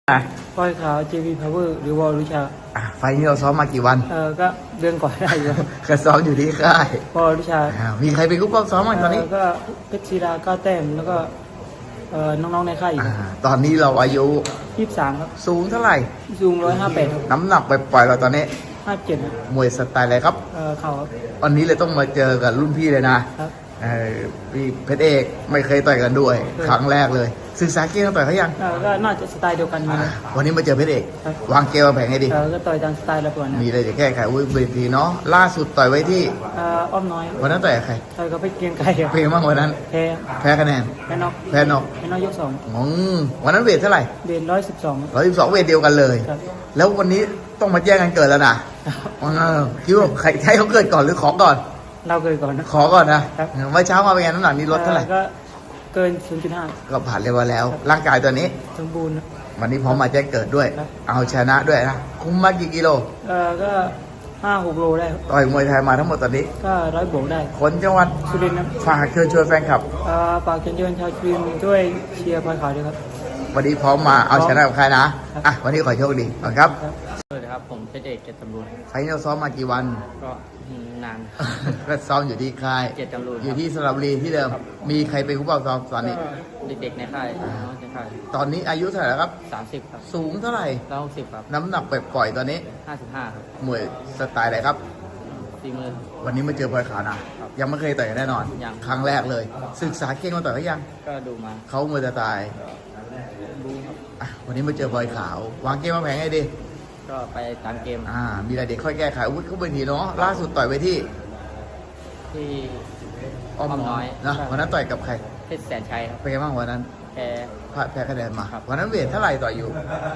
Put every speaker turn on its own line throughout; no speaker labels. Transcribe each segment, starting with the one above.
อ่ะ
ปอยขาว JV Power หรือวอลลุชา
ไฟล์นี้เราซ้อมมากี่วัน
ก็เดือนก่อนได้อยู่
ก็ซ้อมอยู่ที่ค่ายว
อลลุชา
มีใครเป็นผู้ป้องซ้อมบ้างตอนนี้
ก็เพชรศิลาก้าแต้มแล้วก็น้องๆในค่ายอีก
ตอนนี้เราอายุ
23ครับ
สูงเท่าไหร่
สูง158
น้ำหนักไปปล่อยเราตอนนี้
57
มวยสไตล์อะไรครับ
เข่า
วันนี้เลยต้องมาเจอกับรุ่นพี่เลยนะครับพี่เพชรเอกไม่เคยต่อยกันด้วยครั้งแรกเลยศึกษาเกมต่อยเขายัง
ก็น่าจะสไตล์เดียวกัน
วันนี้มาเจอเพชรเอกวางเกมวางแผนให้ดี
ก็ต่อยตามสไตล์ละก่อน
มีอะไรจะแก้ไขเวทีเนาะล่าสุดต่อยไว้ที่
อ้อมน้อย
วันนั้นต่อยกับใคร
ต่อยกับเพชรเกียงไกร
เพลงบ้างวันนั้นแพ้คะแนน
แพ้น็อกยก2
วันนั้นเวทเท่าไหร่
เวท112
เวทเดียวกันเลยแล้ววันนี้ต้องมาแจ้งกันเกิดแล้วนะคิดว่าใครใช้เขาเกิดก่อนหรือขอก่อน
เราเกิดก่อนนะ
ขอก่อนนะเมื่อเช้ามาเป็นไงน้ำหนักนี้ลดเท่าไหร่
ก็เกิน 0.5
ก็ผ่านเรียบร้อยแล้วร่างกายตัวนี้
สมบูรณ์
วันนี้พร้อมมาแจ้งเกิดด้วยเอาชนะด้วยนะคุ้มมากี่กิโล
ก็5-6 โลได้
ต่อยมวยไทยมาทั้งหมดตอนนี้
ก็100 บวกได้
คนจังหวัด
สุรินทร์ครับ
ฝากเชิญชวนแฟนคลับ
ฝากเชิญชวนชาวสุรินทร์ด้วยเชียร์พลอยขาวด้วยครับ
วันนี้พร้อมมาเอาชนะกับใครนะวันนี้ขอโชคดีครับ
สวัสดีครับผมเพชรเอกเกียรติตำรูน
ไฟนอลซ้อมมากี่วัน
ก็นาน
ก็ซ้อมอยู่ที่ค่าย
เกียรติตำรูน
อยู่ที่สระบุรีที่เดิมมีใครเป็นผู้ปกครองตอนนี้
เด็กๆในค่าย
ตอนนี้อายุเท่าไหร่ครับ
30ครับ
สูงเท่าไหร่
160ครับ
น้ำหนักปล่อยตอนนี้
55ครับ
มวยสไตล์อะไรครับ
40,000
วันนี้มาเจอพลอยขาวนะยังไม่เคยต่อยแน่นอนครั้งแรกเลยศึกษาเก่งมาต่อยเขายัง
ก็ดูมา
เขามวยสไตล์
ดูครับ
วันนี้มาเจอพลอยขาววางเกมมาแผงให้ดี
ก็ไปตามเกม
มีอะไรเด็กค่อยแก้ไขอาวุธเขาเป็นทีเนาะล่าสุดต่อยไปที่
อ้อมน้อย
นะวันนั้นต่อยกับใคร
เพชรแสนชัยครับ
เป็นไงบ้างวันนั้นแพ้คะแนนมาวันนั้นเวทเท่าไหร่ต่อยอยู่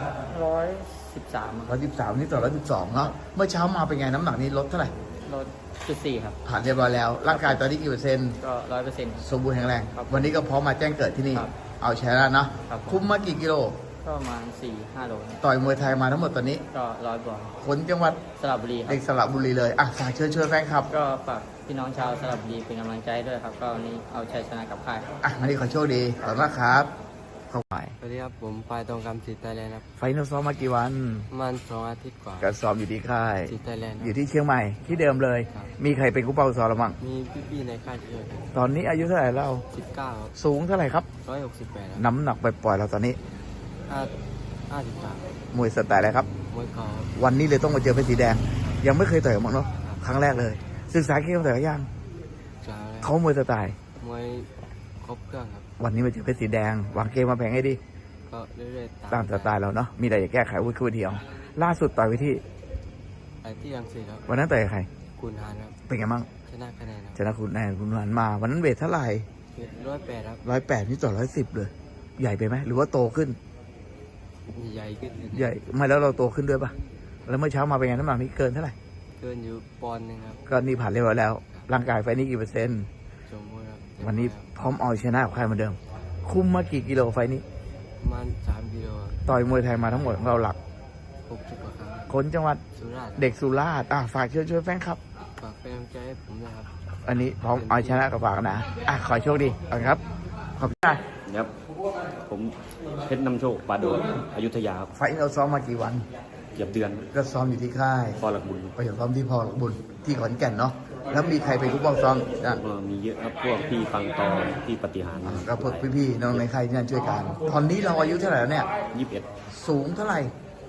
113
นี่ต่อ112เนาะเมื่อเช้ามาเป็นไงน้ำหนักนี้ลดเท่าไหร่
ลด4ครับ
ผ่านเรียบร้อยแล้วร่างกายตอนนี้กี่เปอร์เซ็นต์
ก็100%
สมบูรณ์แข็งแรงวันนี้ก็พร้อมมาแจ้งเกิดที่นี่เอาชนะนะคุ้มมากี่กิโล
ก็ประมาณ 4-5 โล
ต่อยมวยไทยมาทั้งหมดตอนนี้
ก็100 บวก
คนจังหวัด
สระบุรี
เด็กสระบุรีเลยฝากเชิญแฟนคลับ
ก็ฝากพี่น้องชาวสระบุรีเป็นกำลังใจด้วยครับก็วันนี้เอาชัยชนะกับค่าย
วันนี้ขอโชคดีขอบคุณมากครับเข้าไป
สวัสดีครับผมปายตองคำสิทธิ์ไทยแลนด์ครับ
ไฟนอลซ้อมมากี่วัน
มัน2 อาทิตย์กว่า
ก็ซ้อมอยู่ที่ค่าย
สิทธิ์ไทยแลนด์
อยู่ที่เชียงใหม่ที่เดิมเลยมีใครเป็นกู้เป้าซ้อมหรือมั้ง
มีพี่ๆในค่ายด้วย
ตอนนี้อายุเท่าไหร่แล้ว
19
สูงเท่าไหร่ครับ
168
น้ำหนักไปปล่อยเราตอนนี้
53
มวยสไตล์อะไรครับ
มวยเข่า
วันนี้เลยต้องมาเจอเพชรสีแดงยังไม่เคยต่อยมั้งเนาะครั้งแรกเลยศึกษาเกมต่อยยังเขามวยสไตล์
มวยครบเครื่องครับ
วันนี้มาเจอเพชรสีแดงวางเกมมาแผงให้ดี
ก็เรื่อยๆ
ตามสไตล์เราเนาะมีอะไรจะแก้ไขวุ้ยเดียวล่าสุดต่อยไปที่
รังสิตครับ
วันนั้นต่อยใคร
คุณหานครับ
เป็นไงบ้าง
ชนะคะแนน
ชนะคุณหานมาวันนั้นเวทเท่าไหร่
108ครับ
108นี่ต่อ110เลยใหญ่ไปไหมหรือว่าโตขึ้น
ใหญ่ขึ้น
ใหญ่ไม่แล้วเราโตขึ้นด้วยปะแล้วเมื่อเช้ามาเป็นไงน้ำหนักนี่เกินเท่าไหร่
เกินอยู่ปอนด์นึงครับ
ก็นี่ผ่านเรียบร้อยแล้วร่างกายไฟนี้กี่เปอร์เซ็นต์
สมบูรณ์ครับ
วันนี้พร้อมเอาชนะกับใครเหมือนเดิมคุมมากี่กิโลไฟนี้
ประมาณ3 กิโล
ต่อยมวยไทยมาทั้งหมดของเราหลัก
60 กว่าครั้ง
คนจังหวัด
สุราษฎร์
เด็กสุราษฎร์ฝากเชิญแฟนครับ
ฝากเป็นกำลังใจให้ผมด้วยครับ
อันนี้พร้อมเอาชนะกับฝากนะขอโชคดีครับขอบคุณ
ครับผมเพชรนำโชคปาโดอยุธยาครับ
ไฟเราซ้อมมากี่วัน
เกือบเดือน
ก็ซ้อมอยู่ที่ค่าย
พอหลักบุญ
ไปซ้อมที่พอหลักบุญที่ขอนแก่นเนาะแล้วมีใครเป็นผู้ป้องซ้อม
มีเยอะครับพวกพี่ฟังตอพี่ปฏิหาร
ก็พวกพี่ๆน้องในค่ายที่นั่นช่วยกันตอนนี้เราอายุเท่าไหร่แล้วเนี่ย
21
สูงเท่าไหร่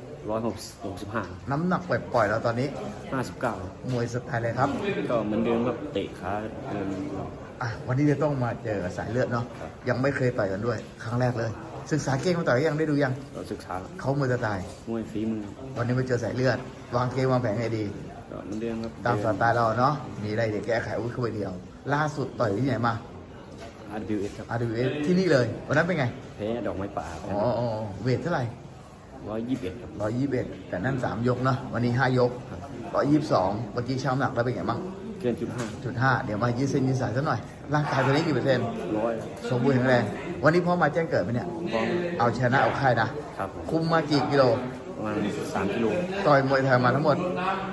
165
น้ำหนักปล่อยเราตอนนี้
59
มวยสไตล์อะไรครับ
ก็เหมือนเดิมครับเตะขาเดิน
วันนี้จะต้องมาเจอสายเลือดเนาะยังไม่เคยต่อยกันด้วยครั้งแรกเลยศึกษาเกมมาต่อยยังได้ดูยัง
ศึกษา
เขามวยสไตล์
มวยฝีมือ
วันนี้มาเจอสายเลือดวางเกมวางแผนให้ดี
เหมือนเดิมครับ
ตามสไตล์เราเนาะมีอะไรเดี๋ยวแก้ไขวุ้ยเดียวล่าสุดต่อยที่ไหนมา
RWS ครับ
RWS ที่นี่เลยวันนั้นเป็นไง
แพ้ดอกไม้ป่า
เวทเท่าไหร่
121ครับ
121แต่นั่น3 ยกเนาะวันนี้5 ยก122เมื่อกี้ช่างน้ำหนักแล้วเป็นไงบ้าง
เกิน
0.5เดี๋ยวมายืดเส้นยืดสายซะหน่อยร่างกายตัวนี้กี่เปอร์เซ็นต์
100
สมบูรณ์แข็งแรงวันนี้พร้อมมาแจ้งเกิดไหมเนี่ยเอาชนะเอาค่ายนะครับคุมมากี่กิโล
ประมาณ3 กิโล
ต่อยมวยไทยมาทั้งหมด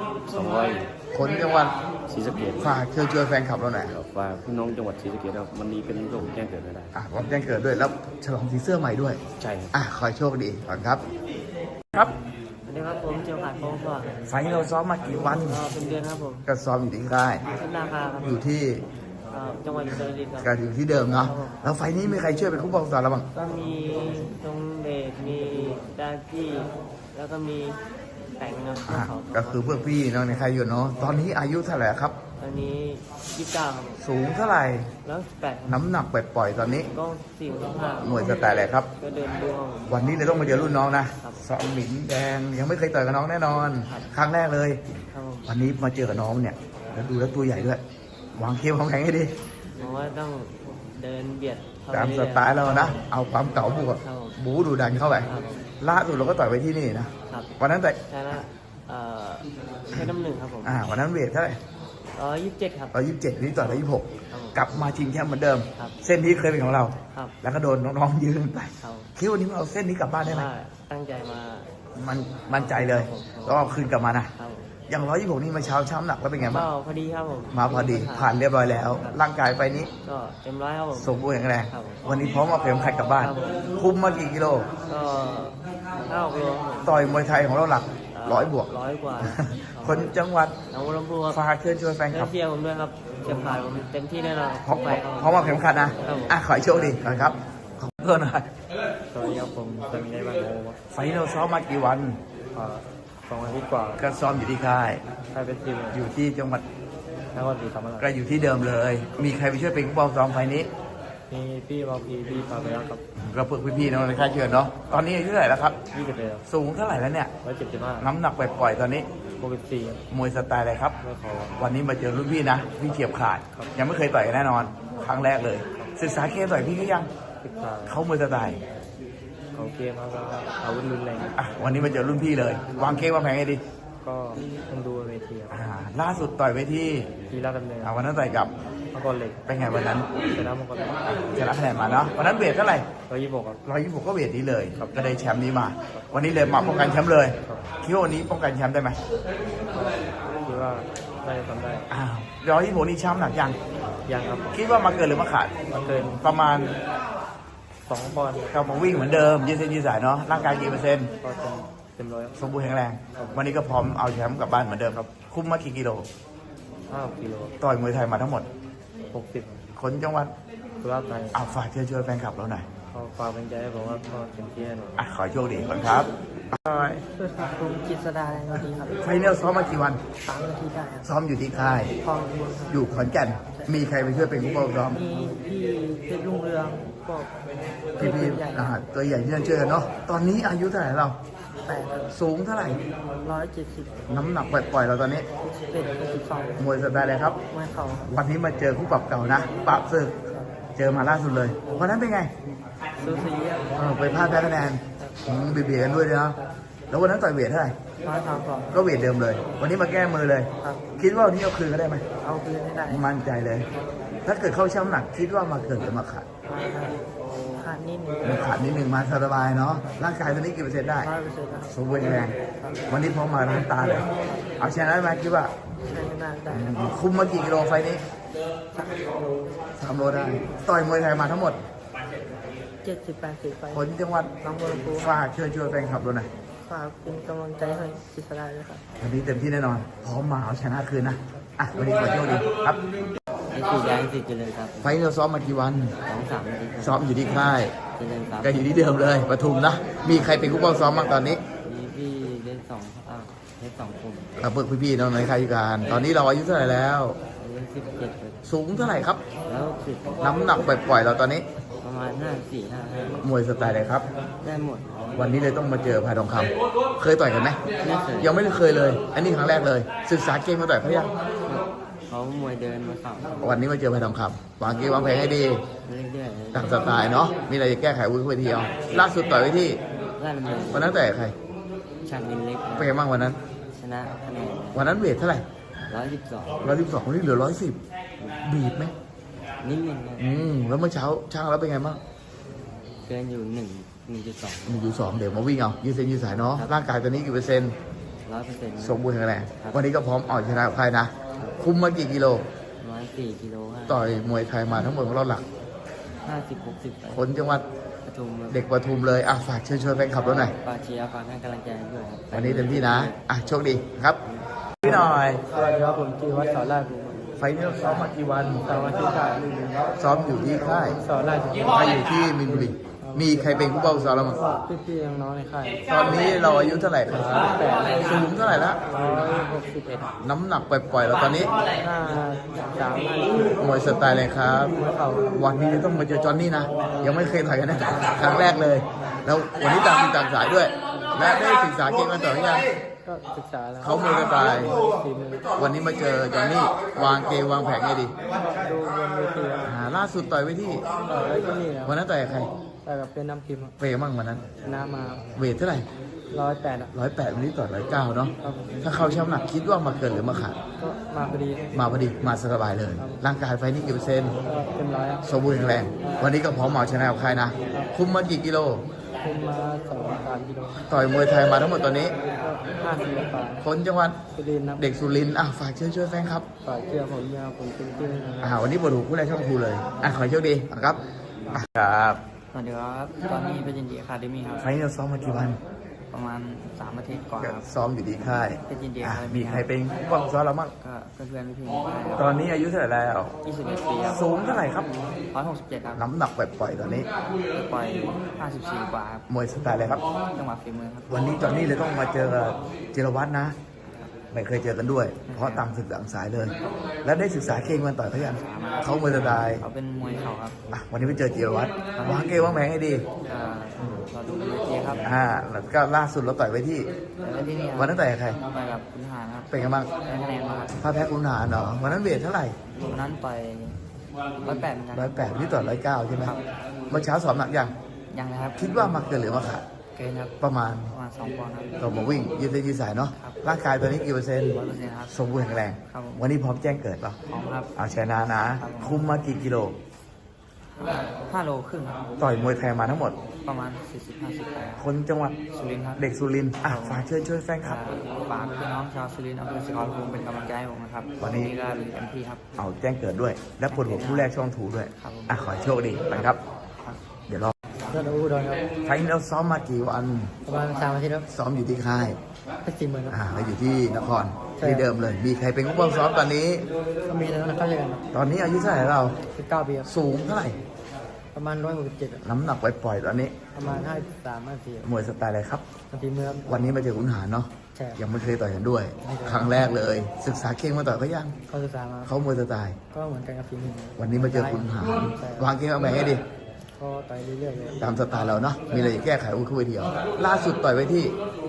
200
คนจังหวัด
ศรีสะเกษ
ฝากเชิญแฟนคลับเราหน่อย
ฝากพี่น้องจังหวัดศรีสะเกษครับวันนี้เป็นโรคแจ้งเกิดไม่ได้
ผมแจ้งเกิดด้วยแล้วฉลองสีเสื้อใหม่ด้วย
ใช่
ขอโชคดีก่อนครับครับ
สวัสดีครับผมเจียวขาดโค้งก่อน
ไฟล์เราซ้อมมากี่วัน
ก็เป็นเดือนครับผม
ก็ซ้อมอยู่ที่ค่าย
ขึ้นราคาครับ
อยู่ที่
จังหวัดอุตรดิตถ์ครับ
ก็อยู่ที่เดิมเนาะแล้วไฟล์นี้มีใครช่วยเป็นคู่ปกครองเราบ้าง
ก็มีตรงเดชมีดาจี้แล้วก็มีแต่งครับ
อ่ะ
เขา
ก็คือเพื่อนพี่น้องในค่ายอยู่เนาะตอนนี้อายุเท่าไหร่ครับ
ตอนนี้29ครับ
สูงเท่าไหร่
แล้ว18
น้ำหนักปล่อยๆตอนนี้
ก็45
หน่วยสไตล์อะไรครับ
ก็เดินดูครับผม
วันนี้เลยต้องมาเจอรุ่นน้องนะครับ ซ้อมหมินแดงยังไม่เคยต่อยกับน้องแน่นอน
ครับ
ครั้งแรกเลย
ครับผม
วันนี้มาเจอกับน้องเนี่ยแล้วดูแล้วตัวใหญ่ด้วย วางเคียววางแข็งให้ดี
ผมว่าต้องเดินเบียดเข้
ตาม
ไป
ส
เรื่อยๆ
ไตล์เรานะ เอาความเก่าบวก
ครับผม
บูดูดันเข้าไป
ครับผม
ล่าสุดเราก็ต่อยไปที่นี่นะ
ครับ
วันนั้นแต่
ชนะเพชรน้ำหนึ่งครับผม
วันนั้นเวทเท่าไหร่
127ครับ
127วันนี้ต่อย126
ครับผม
กลับมาชิงแชมป์เหมือนเดิม
ครับ
เส้นที่เคยเป็นของเรา
ครับ
แล้วก็โดนน้องๆยืนไป
เขา
คิดว่าวันนี้เราเส้นนี้กลับบ้านได้ไหม
ว่าตั้งใจมา
มันมั่นใจเลยแล้วก็คืนกลับมานะ
ครับ
อย่าง126นี่มาเช้าช้ำหนักแล้วเป็นไงบ้าง
ก็พอดีครับผม
มาพอดีผ่านเรียบร้อยแล้ว ร่างกายไปนี้
ก็เต็มร้อยครับผม
สมบูรณ์แข็งแรง
ครับ
วันนี้พร้อมเอาเข็มขัดกลับบ้าน
ครับผม
คุมมากี่กิโล
ก็5 กิโลครับผม
ต่อยมวยไทยของเราหลัก100 บวก
100 กว่า
คนจังหวัด
หนองบัวลำพูครับ
ฝากเชิญชวนแฟนคลับ
เชียร์ผมด้วยครับเชียร์ผ่านผมเต็มที่แน่นอน
พร้อม
ไปครับ
พร้อมเอาเข็มขัดนะครับ
ผม
ขอให้โชคดีก่อนครับขอบคุณหน่อย
สวัสดีครับผมเป็นไงบ้างโอ้
ไฟล์เราซ้อมมากี่วัน
2 อาทิตย์กว่า
ก็ซ้อมอยู่ที่ค่าย
ใครเป็นทีม
อยู่ที่จังหวัด
นครศรีธรรมรา
ก็
ช
อยู่ที่เดิมเลย มีใครไปช่วยเป็นผู้บอลซ้อมไฟล์นี้
มีพี่บอลพีพี่ปาเบลครับ
ก็เพื่อพี่ๆน้องในค่ายเชิญเนาะตอนนี้อายุเท่าไหร่แล้วครับ
20เลย
สูงเท่าไหร่แล้วเนี่ย
175
น้ำหนักปล่อยๆตอนนี้
64
มวยสไตล์อะไรครับ
ไม่ขอ
วันนี้มาเจอรุ่นพี่นะพี่เฉียบขาด
ครับ
ยังไม่เคยต่อยกันแน่นอน ครั้งแรกเลย ศึกษาเกมต่อยพี่ก็ยัง
ศึกษา
เขามวยสไตล์
เขาเกมแล้วก็อาวุธรุนแรง
วันนี้มาเจอรุ่นพี่เลย วางเกมวางแผนให้ดี
ก็ต้องดูเวทีครับ
ล่าสุดต่อยไปที่
ทีราชดำเนิน
วันนั้นต่อยกับ
มังกรเหล็ก
เป็นไงวันนั้น
ชนะมังกรเหล็ก
ชนะคะแนนมาเนาะวันนั้นเวทเท่าไหร่
126ครับ
126ก็เวทนี้เลย
ครับ
ก็ได้แชมป์นี้มา วันนี้เลยมาป้องกันแชมป์เลย
ครับ
คิดว่าวันนี้ป้องกันแชมป์ได้ไหม
คิดว่าได้ทำได้
126นี่แชมป์หนักยัง
ยังครับ
คิดว่ามาเกินหรือมาขาด
มาเกิน
ประมาณ
2 ปอนด์
ก็มาวิ่งเหมือนเดิมยืดเส้นยืดสายเนาะร่างกายกี่เปอร์เซ็นต์
ก็เต็มร้อย
สมบูรณ์แข็งแรง
ครับ
วันนี้ก็พร้อมเอาแชมป์กลับบ้านเหมือนเดิมครับ คุมมากี่กิโล
5 กิโล
ต่อยมวยไทยมาทั้งหมด
60
คนจังหวัด
สุราษฎร์ธานี
ฝากเชิญชวนแฟนคลับเราหน่อย
ก็ฝากเป็นใจให้ผมว่าก็เต็มที่แน่นอน
ขอให้โชคดีก่อนครับบาย
ผมจิตสดาสวัสดีครับ
ไฟเนลซ้อมมากี่วัน
3 นาทีได้ครับ
ซ้อมอยู่ที่ค่าย
คลองบุญครับ
อยู่ขอนแก่น มีใครไปช่วยเป็นผู้ปกครอง
มีพี่เพชรรุ่งเรืองก็
พี่พี่
ใหญ่
ตัวใหญ่ที่นั่นเจอเนาะ ตอนนี้อายุเท่าไหร่เรา
8
สูงเท่าไหร่
170
น้ำหนักปล่อยๆเราตอนนี้
11 62
มวยสไตล์อะไรครับ
ไม่เข่าครับ
วันนี้มาเจอคู่ปรับเก่านะปรับศึก เจอมาล่าสุดเลย วันนั้นเป็นไง
ซูซีครับ
ไปพลาดแพ้คะแนนเบียดกันด้วยนะแล้ววันนั้นต่อยเวทเท่าไหร่
132
ก็เวทเดิมเลย วันนี้มาแก้มือเลย
ครับ
คิดว่าวันนี้เอาคืนก็ได้ไหม
เอาคืนให้ได้
มั่นใจเลย ถ้าเกิดเข้าช่ำหนัก คิดว่ามาเกิดหรือมาขาด
ขาดนิดนึง
มาขาดนิดหนึ่งมาสบายเนาะ ร่างกายตอนนี้กี่เปอร์เซ็นต์ได้
100%ครับ
สมบูรณ์แข็งแรง วันนี้พร้อมมาล้างตาเลย เอาชนะได้ไหมคิดว่า
ใช้ไม่นานได้
คุมมากี่กิโลไฟล์นี้ 3 โลได้ ต่อยมวยไทยมาทั้งหมด
70-80 ไป
ผลจังหวัด
น้องบัวลำพู
ฝากเชิญชวนแฟนคลับเราหน่อย
ฝากเป็นกำลังใจให้จิตสดาด้วยครับ
วันนี้เต็มที่แน่นอน พร้อมมาเอาชนะคืนนะ วันนี้ขอโชคดีครับ
นี่คือยางสิเจริญครับ
ไฟล์เราซ้อมมากี่วัน
2-3 นาทีครับ
ซ้อมอยู่ที่ค่าย
เจริญครับ
ก็อยู่ที่เดิมเลยปทุมนะ มีใครเป็นผู้ป้องซ้อมบ้างตอนนี้
มีพี่เล่นเล่น2 กลุ่ม
กับเพื่อนพี่ๆน้องในค่ายการ ตอนนี้เราอายุเท่าไหร่แล้ว
เล่น17เลย
สูงเท่าไหร่ครับ
แล้ว10
น้ำหนักปล่อยๆเราตอนนี้
ประมาณ54-55
มวยสไตล์อะไรครับ
ได้หมด
วันนี้เลยต้องมาเจอพายทองคำเคยต่อยกันไหม
ไม่เคย
ยังไม่เคยเลย อันนี้ครั้งแรกเลย ศึกษาเกมมาต่อยเขายัง
เขามวยเดินมาเข่า
วันนี้มาเจอพายทองคำวางเกมวางแผนให้ดี
เรื่อยๆ
ตามสไตล์เนาะ มีอะไรจะแก้ไขวุ้ยเวทีเอาล่าสุดต่อยไว้ที่
ล่าดำเนิน
วันนั้นต่อยกับใคร
ชาญวินเล็ก
เป็นไงบ้างวันนั้น
ชนะคะแนน
วันนั้นเวทเท่าไหร่
112
112วันนี้เหลือ110บีบไหม
นิดนึงครับ
แล้วเมื่อเช้าช่างแล้วเป็นไงบ้าง
เกินอยู่1.2
1.2เดี๋ยวมาวิ่งเอายืดเส้นยืดสายเนาะ ร่างกายตอนนี้กี่เปอร์เซ็นต์
100%
สมบูรณ์แข็งแรง วันนี้ก็พร้อมเอาชนะใครนะ คุมมากี่กิโล
104 กิโล
ต่อยมวยไทยมาทั้งหมดของเราหลัก
50-60 ไป
คนจังหวัด
สประชุมครับ
เด็กประทุมเลยอ่ะฝากเชิญชวนแฟนคลับเราหน่อย
ฝากเชียร์ฝากให้กำลังใจด้วยครับ
วันนี้เต็มที่นะอ่ะโชคดีครับพี่หน่อย
สวัสดีครับผมจีวัฒน์สอนราชบุรี
ไฟล์นี้เราซ้อมมากี่วัน
สวัสดีครับ
ซ้อมอยู่ที่ค่าย
สอนราชบุรี
ค่ายอยู่ที่มินบุรีมีใครเป็นผู้เป้าซ้อมเราบ้าง
พี่ๆน้องๆในค่าย
ตอนนี้เราอายุเท่าไหร่ครับสูงเท่าไหร่ละ
161
น้ำหนักปล่อยๆเราตอนนี้
53
มวยสไตล์เลยครับ
เขา
วันนี้ต้องมาเจอจอห์นนี่นะ ยังไม่เคยต่อยกันนะครั้งแรกเลย แล้ววันนี้ต่างต่างสายด้วย และได้ศึกษาเก่งมาต่อหรือยัง
ก็ศึกษาแล้ว
เขามวยสไตล์
ฝีมือ
วันนี้มาเจอจอห์นนี่วางเกมวางแผนไงดี
ดูบนเวทีครับ
ล่าสุดต่อยไว้ที่
แล้วที่นี่ครับ
วันนั้นต่อยกับใคร
แต่กับเป็นน้ำพิมพ์
เฟย์มั่งวันนั้น
ชนะมา
เวทเท่าไหร่
108
108วันนี้ต่อย109เนาะ
ครับผม
ถ้าเข้าช่ำหนักคิดว่ามาเกินหรือมาขาด
ก็มาพอดี
มาพอดีมาสบายเลย ร่างกายไฟนี่กี่เปอร์เซ็นต์
ก็เต็มร้อยครับ
สมบูรณ์แข็งแรง วันนี้ก็พร้อมเอาชนะกับใครนะ คุมมากี่กิโล
คุมมา2-3 กิโล
ต่อยมวยไทยมาทั้งหมดตอนนี้
ก็50 กว่า
คนจังหวัด
สุรินทร์ครับ
เด็กสุรินทร์ฝากเชิญชวนแฟนครับ
ฝากเชื่อผมยาวผมเป็นที่นะครับ
วันนี้บทหูคู่แรกช่องครูเลยขอให้โชคดีครับครับ
สวัสดีครับตอนนี้เป็นยินดีอะคาเดมี่ครับ
ไฟนี่เราซ้อมมากี่วัน
ประมาณ3 อาทิตย์กว่าครับ
ซ้อมอยู่ที่ค่าย
เป็นยินดี
อ่ะ
ครับ
มีใครเป็นผู้บังซ้อมเราบ้าง
ก็เพื่อนๆพี่ๆ
ตอนนี้อายุเท่าไหร่แล้ว
21 ปีครับ
สูงเท่าไหร่ครับ
167 ครับ
น้ำหนักปล่อยๆตอนนี้
ปล่อย 54 กว่าครับ
มวยสไตล์อะไรครับ
จังหวะฝีมือครับ
วันนี้จอนนี่เลยต้องมาเจอกับจิรวัตรนะ ไม่เคยเจอกันด้วย เพราะต่างศึกต่างสายเลย แล้วได้ศึกษาเก่งมันต่อยเขายังเขามวยสไตล์
เขาเป็นมวยเข่าครับ
วันนี้ไปเจอจิรวัตรวางเกมวางแผนให้ดี
ก็เราดูเป็นเวทีครับ
แล้วก็ล่าสุดเราต่อยไว้ที่
แล้วที่นี่ค
วัน
รับ
นั้นต่อยกับใคร
ไปกับคุณหารครับ
เป็นไงบ้าง
ได้คะแนนมาครับ
ถ้าแพ้คุณหารเหรอวันนั้นเวทเท่าไหร่
วันนั้นไป108เหมือนกัน
108นี่ต่อ109ใช่ไหม
ครับ
เมื่อเช้าสอบหนักยัง
ยังนะครับ
คิดว่ามาเกินหรือมาขาด
เกินครับ
ประมาณ
2 ปอนด์ครับ
ก็มาวิ่งยืดเส้นยืดสายเนาะ
ครับ
ร่างกายตอนนี้กี่เปอร์เซ็นต์
100%ครับ
สมบูรณ์แข็งแรง
ครับผม
วันนี้พร้อมแจ้งเกิดเปล่ะ
พร้อมครับ
เอาชนะนะ คุมมากี่กิโล
5 โลครึ่งครับ
ต่อยมวยไทยมาทั้งหมด
ประมาณ 40-50 ไปครับ
คนจังหวัด
สุรินทร์ครับ
เด็กสุรินทร์ฝากเชิญช่วยแฟนครับ
ฝากพี่น้องชาวสุรินทร์อำเภอศรีขอรภูมิเป็นกำลังใจให้ผมนะครับ
วันนี้
ก็ลุยเต็มที่ครับ
เอาแจ้งเกิดด้วย และปวดหัวคู่แรกช่องถูด้วย
ครับ
ขอให้โชคดีไปครับ เดี๋ยวรอ
เพื่อนอุดรครับ
ไฟล์นี้เราซ้อมมากี่วัน
ประมาณ3 อาทิตย์ครับ
ซ้อมอยู่ที่ค่าย
ไป40,000ครับ
เราอยู่ที่นคร
ใช่
ที่เดิมเลย มีใครเป็นผู้บังซ้อมตอนนี้
ก็มีแล้วนะเข้าใจกัน
ตอนนี้อายุเท่าไหร่เรา
19 ปีครับ
สูงเท่าไหร่
ประมาณ167ครับ
น้ำหนักปล่อยๆตอนนี้
ประมาณ53-54
มวยสไตล์อะไรครับ
บางทีเมื่อ
วันนี้มาเจอขุนหารเนาะ
ใช่
ยังไม่เคยต่อยกันด้วย
ไม่เคย
ครั้งแรกเลย ศึกษาเก่งมาต่อยเขายัง
เข้าศึกษามา
เขามวยสไตล์
ก็เหมือนกันกับฝีมือ
วันนี้มาเจอขุนหาร
ใช่
วางเกมวางแผนให้ดี
ก็ต่อยเรื่อยๆเลย
ตามสไตล์เราเนาะ มีอะไรจะแก้ไขอุ้ยเข้าไปเดียว ล่าสุดต่อยไว้ที่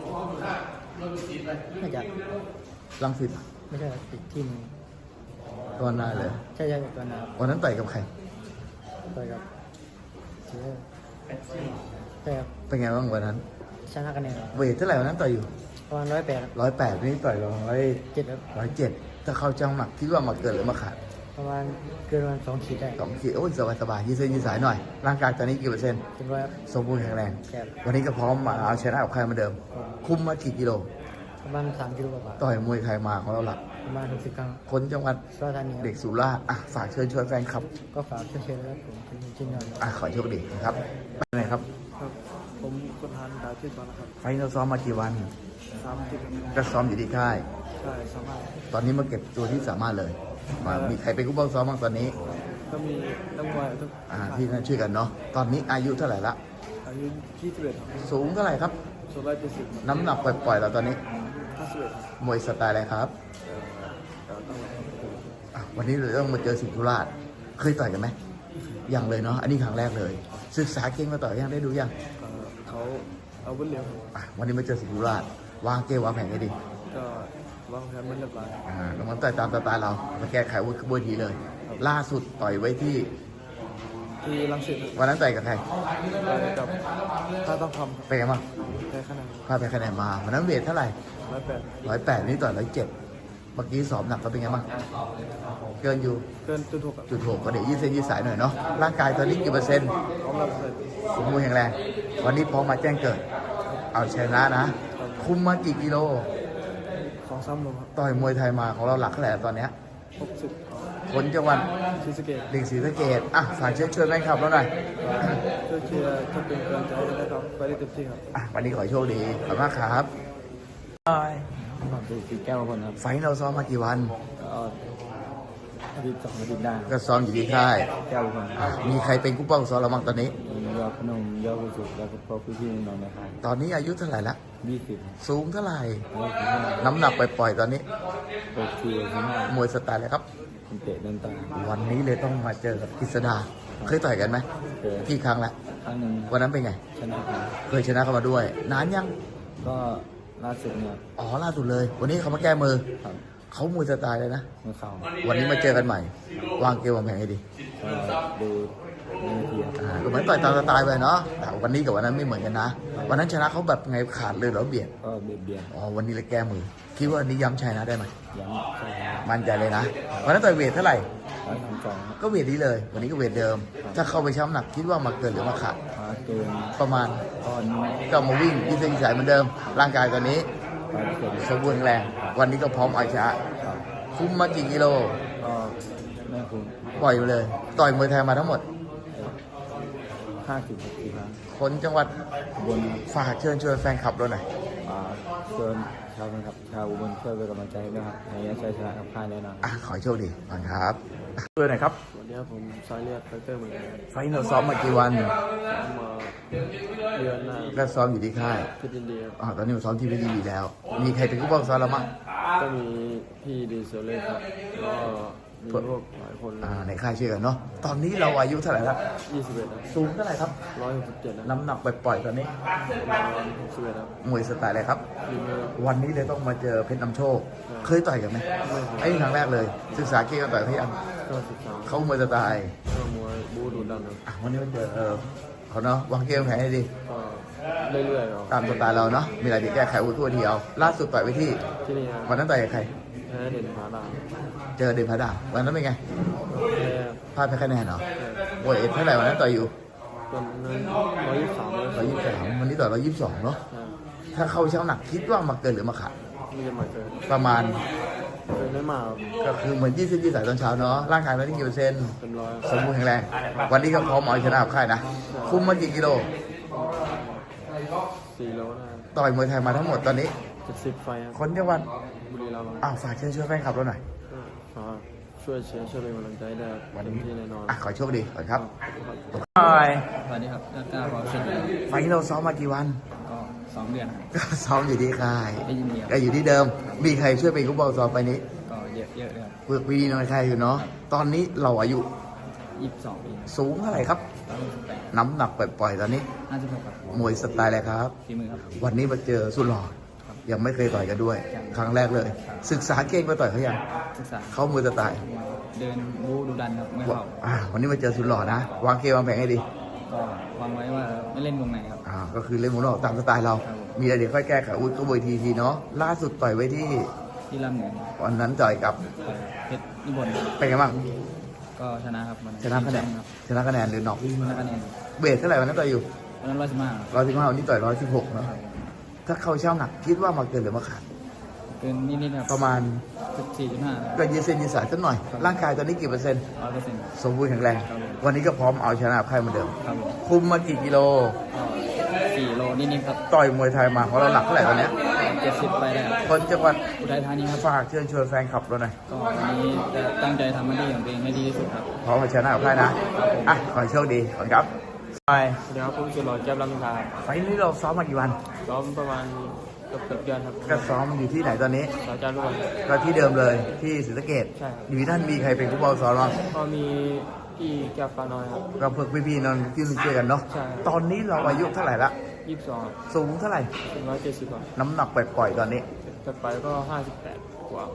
น่าจะ
รังสิต
ไม่ใช่ติดที่มือ
ตอนหน้าเลย
ใช่ตัวนะครับ
วันนั้นต่อยกับใคร
ต่อยกับเชียร์ใช่ครับ
เป็นไงบ้างวันนั้น
ชนะคะแนนครับ
เวทเท่าไหร่วันนั้นต่อยอยู่
ประมาณ108
108นี่ต่อย
7ครับ
107ถ้าเข้าจังหนักคิดว่ามาเกินหรือมาขาด
ประมาณเกินประมาณ2 ขีดได้
2 ขีดโอ้ยสบายๆยืดเส้นยืดสายหน่อย ร่างกายตอนนี้กี่เปอร์เซ็นต์
เต็มร้อยครับ
สมบูรณ์แข็งแรง
แค่
วันนี้ก็พร้อมมาเอาชนะกับใครเหมาเดิม คุมมากี่กิโล
ประมาณ3 กิโลกว่า
ต่อยมวยไทยมาของเราหลัก
ประมาณ60 ครั้ง
คนจังหวัด
สุราษฎร์ธานีครับ
เด็กสุราษฎร์ฝากเชิญชวนแฟนคลับ
ก็ฝากเชียร์ๆนะครับผมเป็นชิ้นยอดครับ
ขอให้โชคดีนะครับเป็นไงครับ
ผมประธานดาวชื่อก่อนนะครับ
ไฟล์เราซ้อมมากี่วัน
3 จุด
ก็ซ้อมอยู่ที่ค่าย
ใช่สามารถ
ตอนนี้มาเก็บตัวที่สามารถเลยมีใครเป็นผู้บังซ้อมบ้างตอนนี้
ก็มีนักมวยทุก
ที่นั่นช่วยกันเนาะตอนนี้อายุเท่าไหร่ละ
อายุ21ครับ
สูงเท่าไหร่ครับ
170
น้ำหนักปล่อยๆเราตอนนี้
51
มวยสไตล์อะไรครับวันนี้เราต้องมาเจอสิงห์ธุราชเคยต่อยกันไหมยังเลยเนาะอันนี้ครั้งแรกเลย ศึกษาเก่งมาต่อยยังได้ดูยัง
เขาเอาวุธเร็ว
วันนี้มาเจอสิงห์ธุราชวางเกมวางแผนให้ดี
ก็วางแผนมันเรียบร้อย
แล้วมันต่อยตามสไตล์เรามาแก้ไขวุฒิขบวนทีเลย ล่าสุดต่อยไว้ที่
ที่รังสิต
วันนั้นต่อยกับใคร
กับถ้าต้องท
เป็นไงบ้าง
ำแพ้คะแนน
พลาดไปคะแนนมาวันนั้นเวทเท่าไหร่
108
108นี่ต่อย107เมื่อกี้สอบหนักก็เป็นไงบ้างเกินอยู่
เกินจุด6ครับ
จุด6ก็เดี๋ยวยืดเส้นยืดสายหน่อยเนาะร่างกายตอนนี้กี่เปอร์เซ็นต์
พร้อมรับเลย
สมบูรณ์แข็งแรงวันนี้พร้อมมาแจ้งเกิด เอาชนะนะ คุมมากี่กิโล
2-3 โลครับ
ต่อยมวยไทยมาของเราหลักเท่าไหร่ตอนเนี้ย
60
คนจังหวัด
ศรีสะเกษ
เด็กศรีสะเกษอ่ะฝากเชิญชวนแฟนคลับเราหน่อย
ช่วยเชียร์ช่วยเป็นกำลังใจให้นะครับไปได้เต็มที่ครับ
อ่ะวันนี้ขอให้โชคดีขอบคุณมากครับ
ผมคือสีแก้วคนครับ
ไฟท์เราซ้อมมากี่วัน
ก็อาทิตย์2 อาทิตย์ได้
ก็ซ้อมอยู่ที่ค่าย
แก้วคน
อ่ะมีใครเป็นกู้เป้าซ้อมเราบ้างตอนนี้
ยอดพนมยอดกุศุแล้วก็พวกพี่ๆน้องๆนะครับ
ตอนนี้อายุเท่าไหร่ละ
20
สูงเท่าไหร่
25
น้ำหนักไปปล่อยๆตอนนี้
64
มวยสไตล์อะไรครับ
15คนเตะเดินตาม
วันนี้เลยต้องมาเจอกับกฤษดา เคยต่อยกันไหม
เจอ
กี่ครั้งละ
ครั้งหนึ่ง
วันนั้นเป็นไง
ชนะครับ
เคยชนะเขามาด้วย นานยัง
ก็ล่าสุดเนี่ย
อ๋อล่าสุดเลย วันนี้เขามาแก้มือ
ครับ
เขามวยสไตล์เลยนะ
เมื่อเข่า
วันนี้มาเจอกันใหม่ วางเกมวางแผนให้ดี
ก็ดูในทีครับ
ก็เหมือนต่อยตามสไตล์ไปเนาะ แต่วันนี้กับวันนั้นไม่เหมือนกันนะ วันนั้นชนะเขาแบบไงขาดเลยเหรอเบียด
ก็เบียดเบียน
อ๋อวันนี้เลยแก้มือ คิดว่าวันนี้ย้ำชัยนะได้ไหม
ย้ำใช่ครับ
มั่นใจเลยนะ วันนั้นต่อยเวทเท่าไหร่
132ครับ
ก็เวทนี้เลย วันนี้ก็เวทเดิม ถ้าเข้าไปช้ำหนักคิดว่ามาเกินหรือมาขาด
มาเกิน
ประมาณ
ตอนนี้
ก็มาวิ่งยืดเส้นยืดสายเหมือนเดิม ร่างกายตอนนี้
100%
สมบูรณ์แข็งแรง วันนี้ก็พร้อมเอาชนะ
ครับ
คุ้มมากี่กิโล
ก็แม่คุณ
ปล่อยไปเลย ต่อยมวยไทยมาทั้งหมด
50 ปีครั้ง
คนจังหวัด
อุบล
ฝากเชิญชวนแฟนคลับเราหน่อย
เชิญชาวนะครับชาวอุบลช่วยเป็นกำลังใจด้วยครับในชัยชนะกับค่ายแน่นอน
อ่ะขอให้โชคดีก่อนครับช่วยหน่อยครับ
สวัสดีครับผมสายเลือดไฟเตอร์เหมือนกัน
ไฟท์เราซ้อมมากี่วัน
มาเดือนหน้า
ก็ซ้อมอยู่ที่ค่าย
เพชรยินดีครับ
ตอนนี้ผมซ้อมที่เพชรยินดีแล้ว มีใครเป็นผู้บังซ้อมเราบ้าง
ก็มีพี่ดีเซลเล่ครับแล้วก็มีพวกหลายคน
ในค่ายช่วยกันเนาะ ตอนนี้เราอายุเท่าไหร่แล้ว
21ครับ
สูงเท่าไหร่ครับ
167นะ
น้ำหนักไปปล่อยๆตอนนี้
ประมาณ61ครับ
มวยสไตล์อะไรครับ
ทีมนี้ครับ
วันนี้เลยต้องมาเจอเพชรนำโชค เคยต่อยกันไหม
ไม่เคย
ไอ้นี่ครั้งแรกเลย ศึกษาเก่งกันต่อยเขายัง
ก็13
เขามวยสไตล์
ก็มวยบูดูดันครับ
วันนี้มาเจอเขาเนาะวางเกมแผนให้ดี
ก็เรื่อยๆครับ
ตามสไตล์เราเนาะ มีอะไรดีแก้ไขอุ้ทั่วทีเอาล่าสุดต่อยไปที่
ที่นี่ครับ
วันนั้นต่อยกับใคร
แพ้เด่นผาดาว
เจอเดนพาดาวันนั้นเป็นไง
แพ้
พลาดไปคะแนนเหรอโอ้ยเท่าไหร่วันนั้นต่อยอยู่
จนนั้น123
123วันนี้ต่อย122เนาะ ถ้าเข้าเช้าหนักคิดว่ามาเกินหรือมาขาด
ไม่จะมาเกิน
ประมาณ
เกินไม่มากครับ
ก็คือเหมือนยืดเส้นยืดสายตอนเช้าเนาะ ร่างกายเราที่กี่เปอร์เซ็นต์
เป็นร้อย
สมบูรณ์แข็งแรง วันนี้ก็พร้อมเอาชนะกับค่ายนะ คุมมากี่กิโล
4 โลนะ
ต่อยมวยไทยมาทั้งหมดตอนนี้
70 ไฟครับ
คนจังหวัด
บุรีรัมย์
ฝากเชิญชวนแฟนคลับเราหน่อย
ก็ขอช่วยเชียร์ช่วยเป็นกำลังใจได้ครับเต็มที่แน่นอน
ขอให้โชคดีก่อนครับ
สวัสดีครับนักกล้าพอเช่นกัน
ไฟล์เราซ้อมมากี่วัน
ก็2 เดือนครับ
ก็ซ้อมอยู่ที่ค่าย
ได้ยินเดียว
ก็อยู่ที่เดิม มีใครช่วยเป็นกู้บอลซ้อมไปนี้
ก็เยอะๆเลยครับ
เพื่อพี่น้องใครอยู่เนาะ ตอนนี้เราอายุ
22 ปี
สูงเท่าไหร่ครับ
168
น้ำหนักปล่อยๆตอนนี้
56ครับ
มวยสไตล์อะไรครับ
ฝีมือครับ
วันนี้มาเจอสุดหล่อยังไม่เคยต่อยกันด้วย ครั้งแรกเลย ศึกษาเก่งมาต่อยเขายัง
ศึกษา
เขามวยสไตล์
เดินบูดูดันครับไม่เข้า
วันนี้มาเจอสุดหล่อนะ วางเกมวางแผนให้ดี
ก็วางไว้ว่าไม่เล่นวงไหนครับ
ก็คือเล่นหมุนออกตามสไตล์เรา
ครับผม
มีอะไรเดี๋ยวค่อยแก้ไขอุ้ยก็บวยทีเนาะ ล่าสุดต่อยไว้ที่
ที่ลำเหนือ
วันนั้นต่อยกับ
เพชรนิบน
เป็นไงบ้าง
ก็ชนะครับวัน
ชนะคะแนน
ครับ
ชนะคะแนนหรือน็อก
ชนะคะแนน
เวทเท่าไหร่วันนั้นต่อยอยู่
วันนั้น115
115วันนี้ต่อย116เนาะ ถ้าเข้าเช่าหนักคิดว่ามาเกินหรือมาขาด
เกินนิดๆครับ
ประมาณ
14.5
ก็ยืดเส้นยืดสายสักหน่อย ร่างกายตอนนี้กี่เปอร์เซ็นต์
100%
สมบูรณ์แข็งแรง
ครับผม
วันนี้ก็พร้อมเอาชนะค่ายเหมือนเดิม
ครับผม
คุมมากี่กิโล
ก็4 โลนิดๆครับ
ต่อยมวยไทยมาของเราหนักเท่าไหร่ตอนเนี้ย
70 ไปแล้ว
คนจังหวัด
อุทัยธานีครับ
ฝากเชิญชวนแฟนคลับเราหน่อย
ก็วันนี้จะตั้งใจทำหน้าที่ของตัวเองให้ดีที่สุดครับ
พร้อมเอาชนะกับค่ายนะ ขอให้โชคดีขอบคุณครับไป
เดี๋ยวผมสุดหล่อแก้มลำคาครับ
ไฟล์นี้เราซ้อมมากี่วัน
ซ้อมประมาณเกือบเดือนครับ
ก็ซ้อมอยู่ที่ไหนตอนนี้
สาจารย์ร่วม
ก็ที่เดิมเลยที่ศรีสะเกษ
ใช่ครับ
อยู่ที่ท่านมีใครเป็นผู้บอลซ้อมบ้าง
ก็มีพี่แก้วฟ้าน้อยครับ
ก็เพื่อพี่ๆนอนที่ช่วยกันเนาะ
ใช่
ตอนนี้เราอายุเท่าไหร่ละ
22
สูงเท่าไหร่
170กว่า
น้ำหนักปล่อยๆตอนนี้
จะไปก็58กว่าม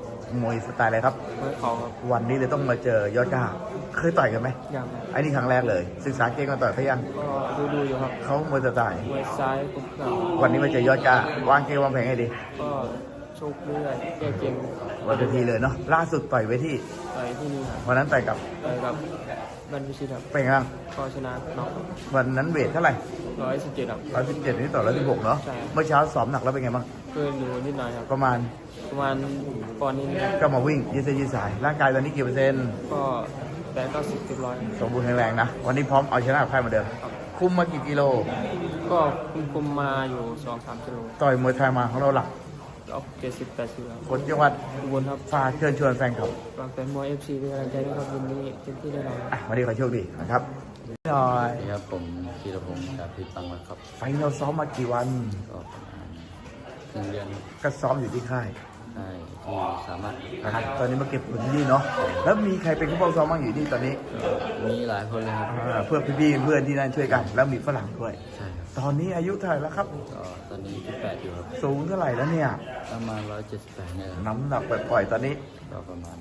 วยสไตล์อะไรครับ
เมื่อเขาครับ
วันนี้เลยต้องมาเจอยอดกล้าเคยต่อยกันไหม
ยังครับ
ไอ้นี่ครั้งแรกเลย ศึกษาเก่งมาต่อยเขายัง
ก็ดูอยู่ครับ
เขามวยสไตล์
มวยซ้ายปุ๊บก็
วันนี้มาเจอยอดกล้าวางเกมวางแผนให้ดี
ก็โชคเรื่อยแก้เกม
วันเวทีเลยเนาะล่าสุดต่อยไว้ที่
ไปที่นี่ครับ
วันนั้นต่อยกับ
ไปกับบันพิชิตครับ
เป็นไงบ้าง
ก็ชนะน็อก
วันนั้นเวทเท่าไหร่
117ครับ
117นี่ต่อ116เนาะ
ใช่
เมื่อเช้าซ้อมหนักแล้วเป็นไงบ้าง
กกินอยู่นิดหน่อยครับ
ประมาณ
ปอนด์นิดนึง
ก็มาวิ่งยืดเส้นยืดสาย ร่างกายตอนนี้กี่เปอร์เซ็นต์
ก็80-90%
สมบูรณ์แข็งแรงนะ วันนี้พร้อมเอาชนะกับใครเหมาเดิม คุมมากี่กิโล
ก็คุมมาอยู่ 2-3 กิโล
ต่อยมวยไทยมาของเราหลัก
ก็70-80ครับ
คนจังหวัด
อุบลครับ
ฝากเชิญชวนแฟนคลับ
ฝากแฟนมวย FC เป็นกำลังใจด้วยครับวันนี้เต็มที่แน่นอน
วันนี้ขอโชคดีนะครับหน่อย
นี่ครับผมธีรพงศ์จากพิปังวัดครับ
ไฟเราซ้อมมากี่วัน
ก็ประมาณ1 เดือน
ก็ซ้อมอยู่ที่ค่าย
ใช่ที่สามารถ
ตอนนี้มาเก็บผลที่นี่เนาะ แล้วมีใครเป็นผู้ปกครองบ้างอยู่ที่ตอนนี้
มีหลายคนเลยครับ
เพื่อนพี่ๆเพื่อนที่นั่นช่วยกัน แล้วมีฝรั่งด้วย
ใช่ครับ
ตอนนี้อายุเท่าไหร่แล้วครับ
ก็ตอนนี้18อยู่ครับ
สูงเท่าไหร่แล้วเนี่ย
ประมาณ178เนี่ยครับ
น้ำหนักปล่อยๆตอนนี้
ก็ประมาณ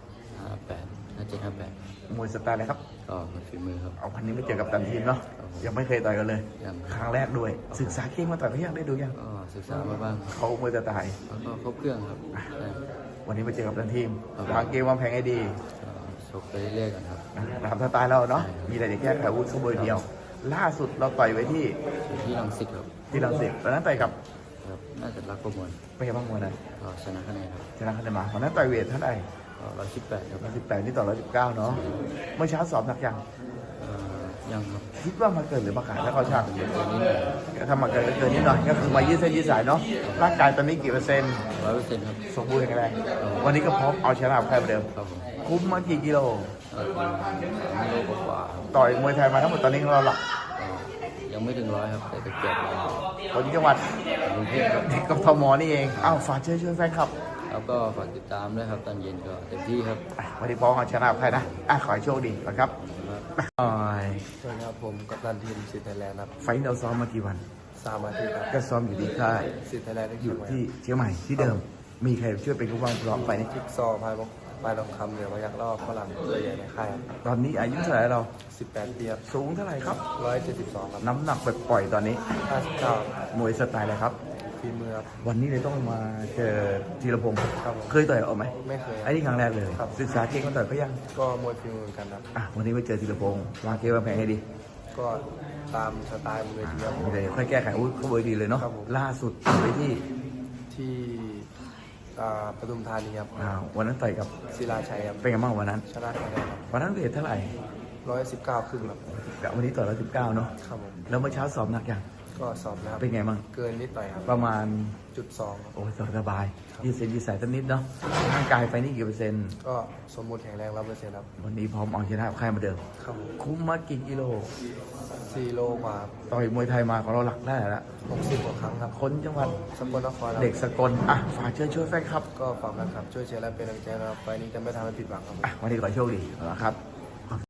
5758
มวยสไตล์อะไรครับ
ก็เป็นฝีมือครับ
เอาพันนี้ไม่เจอกับตันทีมเนาะ ยังไม่เคยต่อยกันเลย
ยัง
ครั้งแรกด้วย ศึกษาเก่งมาต่อยเขายังได้ดูยัง
ก็ศึกษามาบ้าง
เขามวยสไตล์
แล้วก็ครบเครื่องครับใช่
วันนี้มาเจอกับตันทีม
ครับ
วางเกมวางแผนให้ดี
ก็ชกไปเรื่อยๆกันครับ
ตามสไตล์เราเนาะ
ใช่ครับ
มีอะไรจะแก้ไขอาวุธเขาเบอร์เดียว ล่าสุดเราต่อยไว้ที่
อยู่ที่รังสิตครับ
ที่ลังสิตตอนนั้นต่อยกับ
ครับน่าจะรักประมวล
เป็นไงบ้างวันนั้น
ก็ชนะคะแนนครับ
ชนะคะแนนมาวันนั้นต่อยเวทเท่าไหร่
ก็118ครับ
118นี่ต่อ119เนาะ เมื่อเช้าสอบหนักยัง
ยังครับ
คิดว่ามาเกินหรือมาขาดแล้วเขาช่าง
เป็นตัวนี้เลย
ถ้ามาเกินก็เกินนิดหน่อยก็คือมายืดเส้นยืดสายเนาะ ร่างกายตอนนี้กี่เปอร์เซ็นต์
100%ครับ
สมบูรณ์แข็งแรง วันนี้ก็พร้อมเอาชนะกับใครเหมือนเดิม
ครับผม
คุ้มมากี่กิโล
ไม่รู้กว่าๆครับ
ต่อยมวยไทยมาทั้งหมดตอนนี้ของเราหลัก
ก็ยังไม่ถึง100ครับแต่เกือบร้อย
คนจังหวัด
กรุงเทพครับ
กับทมนี่เอง อ้าวฝากเชิญชวนแฟนคลับ
แล้วก็ฝากติดตามด้วยครับตอนเย็นก็เต็มที่ครับ
วันนี้พร้อมเอาชนะกับใครนะขอให้โชคดีนะครับ
ครับ
หน่อย
สวัสดีครับผมกัปตันทีมสิทธิ์ไทยแลนด์ครับ
ไฟท์เราซ้อมมากี่วัน
3 อาทิตย์ครับ
ก็ซ้อมอยู่ที่ค่าย
สิทธิ์ไทยแลนด์ได้
อ
คิว
ยู่
ไว้
ที่เชียงใหม่ที่เดิม มีใครช่วยเป็นผู้บังคับร้องไปนี่
จิ๊กซอว์พายทองคำเหนือมาจากรอบฝรั่งตัวใหญ่ในค่ายครับ
ตอนนี้อายุเท่าไหร่เรา
18 ปีครับ
สูงเท่าไหร่ครับ
172ครับ
น้ำหนักปล่อยๆตอนนี้
59
มวยสไตล์อะไรครับ
ฝีมือครับ
วันนี้เลยต้องมาเจอธีรพงศ์
ครับผม
เคยต่อยเอาไหม
ไม่เคยค
ไอ้
รับ
นี่ครั้งแรกเลย
ครับ
ศึกษาเก่งมาต่อยเขายัง
ก็มวยฝีมือเหมือนกันครับ
วันนี้มาเจอธีรพงศ์วางเกมวางแผนให้ดี
ก็ตามสไตล์มวยทีครับ
เดี๋ยวค่อยแก้ไขอาวุธเขาเบอร์ดีเลยเนาะ
ครับผม
ล่าสุดไปที่
ที่ปทุมธานีครับ
วันนั้นต่อยกับ
ศิลาชัยครับ
เป็นไงบ้างวันนั้น
ชนะคะแนนครับ
วันนั้นเวทเท่าไหร่
119 ครึ่งครับ
วันนี้ต่อ119เนาะ
ครับผม
แล้วเมื่อเช้าสอบหนักยัง
ก็สอบนะครับ
เป็นไงบ้าง
เกินนิดหน่อยครับ
ประมาณ
0.2ครับ
โอ้ยสบายยืดเส้นยืดสายสักนิดเนาะร่างกายไฟนี่กี่เปอร์เซ็นต์
ก็สมบูรณ์แข็งแรง100%ครับ
วันนี้พร้อมเอาชนะกับใครมาเดิม
ครับผม
คุ้มมากี่กิโล
4 โลกว่า
ต่อยมวยไทยมาของเราหลักได้แล้ว
60 กว่าครั้งครับ
คนจังหวัด
สกลนครครับ
เด็กสกลฝากเชิญช่วยแฟนครับ
ก็ฝากแฟนคลับช่วยเชียร์และเป็นกำลังใจนะครับไฟล์นี้จะไม่ทำให้ผิดหวังครับผม
วันนี้ขอโชคดีนะครับ